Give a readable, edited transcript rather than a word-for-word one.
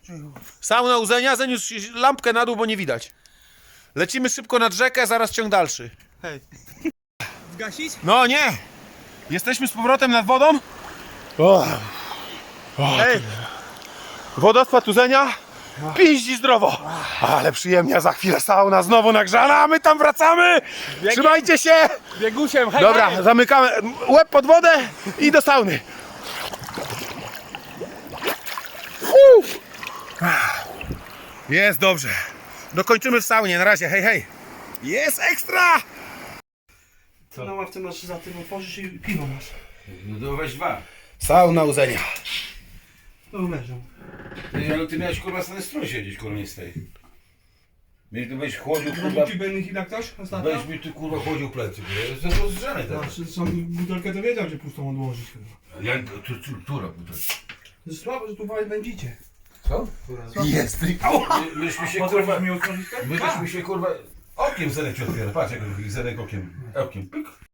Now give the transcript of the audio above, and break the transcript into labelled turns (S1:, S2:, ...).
S1: Sauna Uzenia, zaniósł lampkę na dół, bo nie widać. Lecimy szybko nad rzekę, zaraz ciąg dalszy.
S2: Hej. Zgasić?
S1: No nie! Jesteśmy z powrotem nad wodą. Hej! Wodospad Uzenia. Piździ zdrowo. Ale przyjemnie, za chwilę sauna znowu nagrzana, a my tam wracamy. Trzymajcie się.
S2: Biegusiem, hej!
S1: Dobra,
S2: hej.
S1: zamykamy łeb pod wodę i do sauny. Uf. Jest dobrze. Dokończymy w saunie, na razie, hej, hej. Jest ekstra!
S2: Co na ławce masz za tym otworzysz i piwo masz.
S3: No to weź dwa.
S1: Sauna Uzenia.
S2: To leżą.
S3: Ty miałeś kurwa na strój siedzieć, kurwa nie z tej. Mnie tu będziesz chłodził, kurwa.
S2: Zrobił bennych jak ktoś ostatnio?
S3: Będziesz mi tu kurwa chłodził plecy, kurwa. Jestem rozgrzany teraz.
S2: Znaczy, są butelkę to wiedział, gdzie pustą odłożyć chyba.
S3: Jak która butelka?
S2: To jest słabo, że tu będziecie.
S3: Co?
S1: Jest.
S3: Myśmy się kurwa.
S2: mi otworzyć tak?
S3: Myśmy się kurwa. Okiem Zenek ci otwiera. Patrz jak Zenek okiem. Okiem. Pyk.